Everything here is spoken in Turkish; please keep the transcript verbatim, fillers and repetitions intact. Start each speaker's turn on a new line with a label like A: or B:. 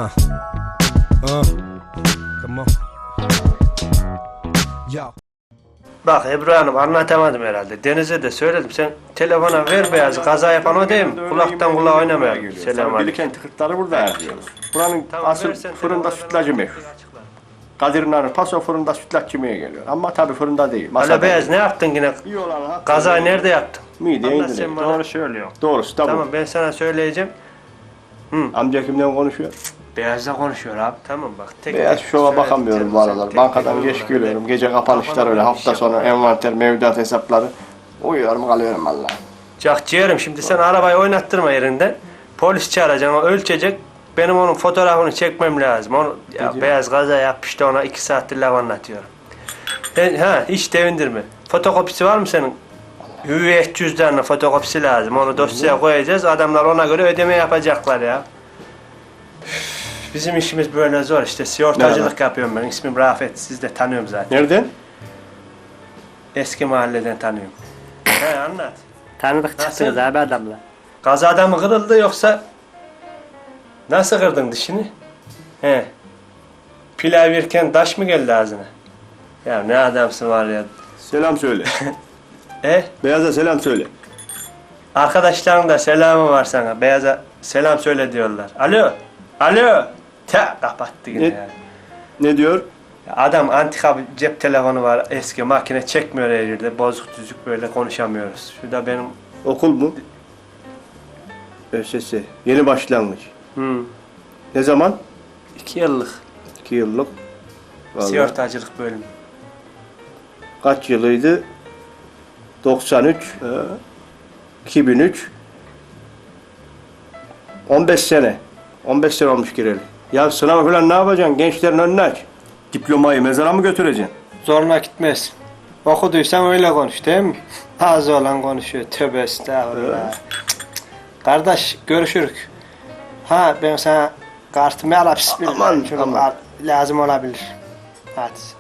A: Uh. Uh. Come on. Yo.
B: Bak Ebru Hanım, anlatamadım herhalde. Deniz'e de söyledim. Sen telefona ver beyazı. Kaza yapan o değil mi? Kulaktan kulağa oynamayalım. Selamünaleyküm.
C: Bilkent tıkırtları burada yapıyoruz. Buranın
B: Tamam,
C: asıl
B: versen
C: fırında
B: telefonlarını
C: sütlacı meşhur. Kadir Nar'ın paso fırında sütlaç yemeye geliyor. Ama tabii fırında değil.
B: Hala
C: Masada.
B: beyaz ne yaptın yine?
C: İyi olan ha.
B: Kazayı nerede yaptın?
C: Mideye
B: Anlat
C: indirir.
B: sen bana.
C: Doğru söylüyor. Doğrusu tamam.
B: Tamam, ben sana söyleyeceğim.
C: Amca kimden konuşuyor?
B: Beyazla konuşuyor abi. Tamam bak. Tek
C: Beyaz
B: tek
C: şova
B: söyle,
C: bakamıyorum
B: tek-
C: bu aralar.
B: tek-
C: Bankadan
B: tek-
C: geç
B: tek-
C: geliyorum. Gece kapanışlar öyle. Hafta sonu envanter, mevduat hesapları. Uyuyorum kalıyorum valla.
B: Cak ciğerim, şimdi sen arabayı oynattırma yerinden. Polis çağıracaksın, o ölçecek. Benim onun fotoğrafını çekmem lazım. Onu ya,
C: diyor?
B: beyaz kaza yapmıştı, ona iki saattir laf anlatıyorum. Ben, ha hiç devindirme. Fotokopisi var mı senin? Hüviyet cüzdanının fotokopisi lazım. Onu dosyaya koyacağız. Adamlar ona göre ödeme yapacaklar ya. Üf, Bizim işimiz böyle zor işte. Sigortacılık yapıyorum ben. İsmim Rafet. Siz de tanıyorum zaten.
C: Nereden?
B: Eski mahalleden tanıyorum. He anlat.
D: Tanıdık çıktınız
B: Nasıl?
D: abi adamla.
B: Kazada mı kırıldı yoksa nasıl kırdın dişini? He. Pilav yerken taş mı geldi ağzına? Ya ne adamsın var ya.
C: Selam söyle.
B: E?
C: Beyaz'a selam söyle.
B: Arkadaşların da selamı var sana. Beyaza selam söyle diyorlar. Alo. Alo. Ta kapattı yine
C: Ne?
B: ya.
C: Ne diyor?
B: Adam antika bir cep telefonu var. Eski makine çekmiyor her yerde. Bozuk düzük böyle konuşamıyoruz. Şurada benim...
C: Okul mu? ÖSS. Yeni başlangıç.
B: Hmm,
C: Ne zaman?
B: iki yıllık
C: İki yıllık. Vallahi.
B: sigortacılık bölümü.
C: Kaç yılıydı? doksan üç. e, iki bin üç. on beş sene. on beş sene olmuş gireli. Ya sınav falan ne yapacaksın? Gençlerin önüne aç. Diplomayı mezara mı götüreceksin?
B: Zoruna gitmez. Okuduysan öyle konuş değil mi? Ağzı olan konuşuyor. Tövbe estağfurullah. Kardeş görüşürük. Ha ben sana kartımı alıp bismillah.
C: Aman,
B: Şunu
C: aman.
B: al- lazım olabilir. Hadi.